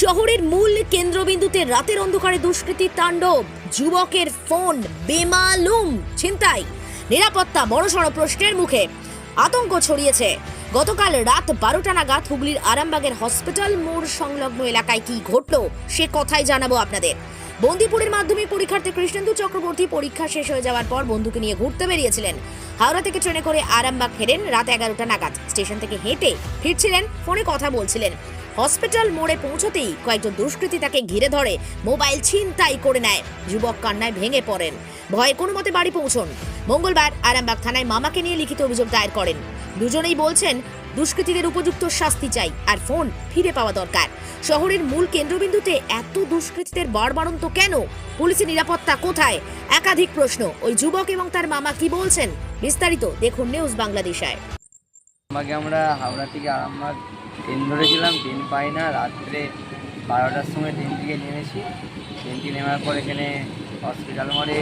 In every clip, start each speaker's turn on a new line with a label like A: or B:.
A: শহরের মূল কেন্দ্রবিন্দুতে রাতের অন্ধকারে দুষ্কৃতির তাণ্ডব, যুবকের ফোন বেমালুম ছিনতাই, নিরাপত্তা বড়সড় প্রশ্নের মুখে। আতঙ্ক ছড়িয়েছে। গতকাল রাত 12টা নাগাদ হুগলির আরামবাগের হসপিটাল মোড় সংলগ্ন এলাকায় কি ঘটল সে কথাই জানাবো আপনাদের। বন্দিপুরের মাধ্যমিক পরীক্ষার্থী কৃষ্ণেন্দু চক্রবর্তী পরীক্ষা শেষ হয়ে যাওয়ার পর বন্ধুকে নিয়ে ঘুরতে বেরিয়েছিলেন। হাওড়া থেকে ট্রেনে করে আরামবাগ ফেরেন রাত 11টা নাগাদ। স্টেশন থেকে হেঁটে ফিরছিলেন, ফোনে কথা বলছিলেন। হসপিটাল মোড়ে পৌঁছতেই কয়েকজন দুষ্কৃতী তাকে ঘিরে ধরে মোবাইল ছিনতাই করে নেয়। যুবক কান্নায় ভেঙে পড়েন। ভয়ে কোনো মতে বাড়ি পৌঁছন। মঙ্গলবার আরামবাগ থানায় মামাকে নিয়ে লিখিত অভিযোগ দায়ের করেন। দুজনেই বলছেন দুষ্কৃতীদের উপযুক্ত শাস্তি চাই আর ফোন ফিরে পাওয়া দরকার। শহরের মূল কেন্দ্রবিন্দুতে এত দুষ্কৃতীদের বাড়বাড়ন্ত কেন? পুলিশের নিরাপত্তা কোথায়? একাধিক প্রশ্ন। ওই যুবক এবং তার মামা কি বলছেন বিস্তারিত দেখুন নিউজ বাংলাদেশায়।
B: আমাকে আমরা হাওড়া থেকে আরামবাগ ট্রেন ধরেছিলাম, ট্রেন পাই না। রাত্রে 12টার সময় ট্রেন থেকে নেমেছি। ট্রেনটি নেওয়ার পর এখানে হসপিটাল মোড়ে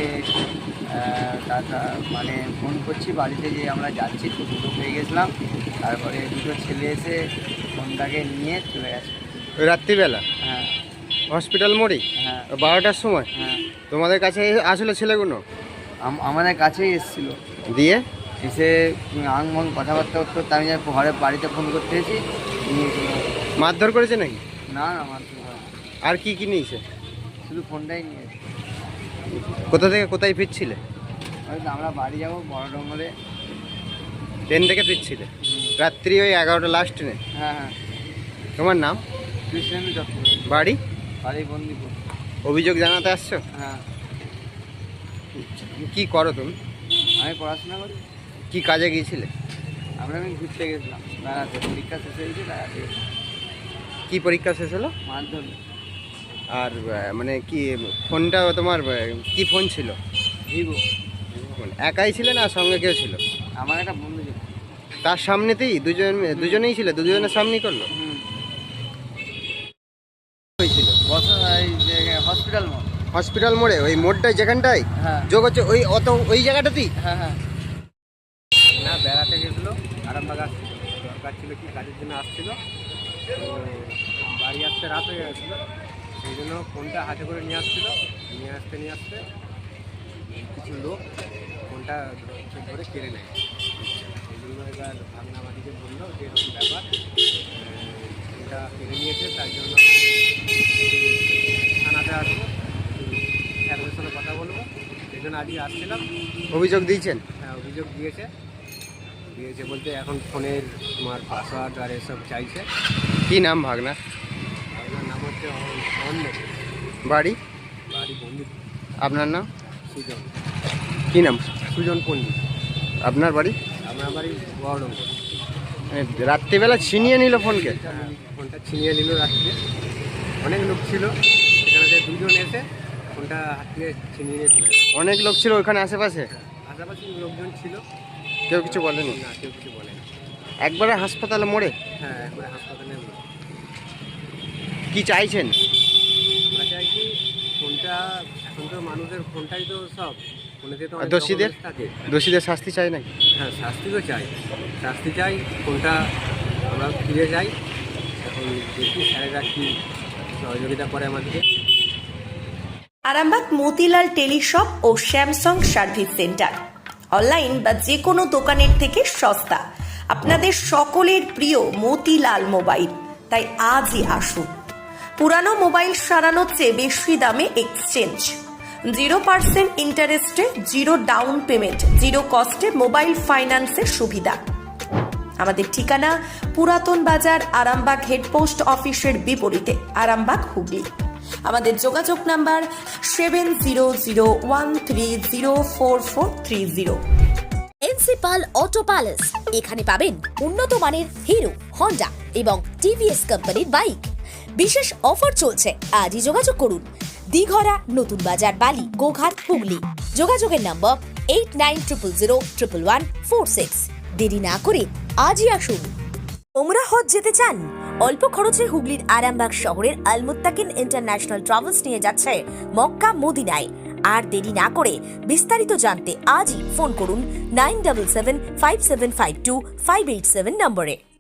B: মানে ফোন করছি বাড়িতে যে আমরা যাচ্ছি, তো দুটো পেয়ে গেছিলাম। তারপরে দুটো ছেলে এসে ফোনটাকে নিয়ে চলে গেছে।
C: রাত্রিবেলা?
B: হ্যাঁ।
C: হসপিটাল মোড়ে?
B: হ্যাঁ।
C: 12টার সময়?
B: হ্যাঁ।
C: তোমাদের কাছে আসলে ছেলেগুলো?
B: আমাদের কাছেই এসেছিলো।
C: দিয়ে
B: এসে আংমং কথাবার্তা করতে আমি ঘরে বাড়িতে ফোন করতে এসেছি, নিয়ে চলে গেছে।
C: মারধর করেছে নাকি?
B: না না, মারতে হয়।
C: আর কি কি নিয়েছে?
B: শুধু ফোনটাই নিয়েছে।
C: কোথা থেকে কোথায় ফিরছিলে?
B: হয়তো আমরা বাড়ি যাবো বড় ডঙ্গলে।
C: ট্রেন থেকে ফিরছিলে রাত্রি ওই 11টা লাস্ট ট্রেনে?
B: হ্যাঁ হ্যাঁ।
C: তোমার নাম?
B: কৃষ্ণেন্দু চক্রবর্তী।
C: বাড়ি?
B: বাড়ি বন্দিপুর।
C: অভিযোগ জানাতে আসছো?
B: হ্যাঁ।
C: কি করো তুমি?
B: আমি পড়াশোনা করি।
C: কি কাজে গিয়েছিলে?
B: আমি ঘুরতে গেছিলাম বেড়াতে, পরীক্ষা শেষ হয়েছে বেড়াতে।
C: কি পরীক্ষা শেষ হলো?
B: মাধ্যমিক।
C: আর মানে কি ফোনটা তোমার কি ফোন ছিল?
B: ভিভো।
C: একাই ছিলে না সঙ্গে কেউ ছিল?
B: আমার একটা বন্ধু ছিল।
C: তার সামনেতেই দুজনেই ছিল? দুজনের সামনেই করলো? হয়েছিল
B: হসপিটাল মোড়।
C: হসপিটাল মোড়ে ওই মোড়টাই যেখানটায়
B: হ্যাঁ
C: যোগ হচ্ছে ওই জায়গাটাতেই?
B: হ্যাঁ হ্যাঁ।
D: না, বেড়াতে গেছিলো আরামবাগ আসছিল, দরকার ছিল কি কাজের জন্য আসছিল। তো বাড়ি আসতে রাত হয়ে গেছিলো, সেই জন্য ফোনটা হাতে করে নিয়ে আসতে কিছু লোক ফোনটা ধরে কেড়ে নেয়। সেই জন্য এবার ভাগনাবাড়িকে বললো যে এরকম ব্যাপার, ফোনটা কেড়ে নিয়েছে, তার জন্য থানাতে আসবো, স্যারদের সঙ্গে কথা বলবো, সেই জন্য আজকে আসছিলাম।
C: অভিযোগ দিয়েছেন?
D: হ্যাঁ, অভিযোগ দিয়েছে বলতে এখন ফোনের তোমার পাসওয়ার্ড আর এসব চাইছে।
C: কি নাম ভাগনা?
D: আপনার নাম হচ্ছে অন্য।
C: বাড়ি?
D: বাড়ি বন্দিপুর।
C: আপনার নাম?
D: সুজন।
C: কি নাম?
D: সুজন পণ্ডিত।
C: আপনার বাড়ি?
D: আপনার বাড়ি বহরমপুর।
C: মানে রাত্রিবেলা ছিনিয়ে নিল ফোনকে?
D: ফোনটা ছিনিয়ে নিল রাত্রে। অনেক লোক ছিল, সেখানে যে দুজন এসে ফোনটা হাত থেকে ছিনিয়ে নিয়ে চলে গেছে।
C: অনেক লোক ছিল ওখানে আশেপাশে?
D: পাশাপাশি লোকজন ছিল।
C: কেউ কিছু বলেনি?
D: না, কেউ কিছু বলেনি।
C: একবারে হাসপাতালে মোড়ে?
D: হ্যাঁ, একবারে হাসপাতালে।
C: কি চাইছেন?
D: আমরা চাই কি ফোনটা, এখন তো মানুষের ফোনটাই তো সব, ফোনেতে তো অনেক
C: দোষীদের
D: documents থাকে।
C: দোষীদের শাস্তি চাই নাকি?
D: হ্যাঁ, শাস্তি তো চাই, ফোনটা আমরা ফিরে যাই। এখন দেখি স্যারেরা কি সহযোগিতা করে আমাদেরকে।
E: আরামবাগ মতিলাল টেলিশপ ও স্যামসাং সার্ভিস সেন্টার, অনলাইন বা যে কোনো দোকানের থেকে সস্তা। আপনাদের সকলের প্রিয় মতিলাল মোবাইল, তাই আজই আসুন। পুরানো মোবাইল সারানোর চেয়ে বেশি দামে এক্সচেঞ্জ, 0% ইন্টারেস্টে, 0 ডাউন পেমেন্ট, 0 কস্টে মোবাইল ফাইন্যান্সের সুবিধা। আমাদের ঠিকানা পুরাতন বাজার, আরামবাগ হেডপোস্ট অফিসের বিপরীতে, আরামবাগ, হুগলি। আমাদের যোগাযোগ নাম্বার 7001304430।
A: প্রিন্সিপাল অটো প্যালেস, এখানে পাবেন উন্নত মানের হিরো, হন্ডা এবং টিভিএস কোম্পানির বাইক। বিশেষ অফার চলছে, আজই যোগাযোগ করুন। দিঘরা, নতুন বাজার, বালি, গোঘাট, হুগলি। যোগাযোগের নম্বর 8900011146। দেরি না করে আজই আসুন। ওমরা হজ যেতে চান? অল্প খরচে হুগলির আরামবাগ শহরের আল মুত্তাকিন ইন্টারন্যাশনাল ট্রাভেলস নিয়ে যাচ্ছে মক্কা মদিনায়। আর দেরি না করে বিস্তারিত জানতে আজই ফোন করুন 9775752587 নম্বরে।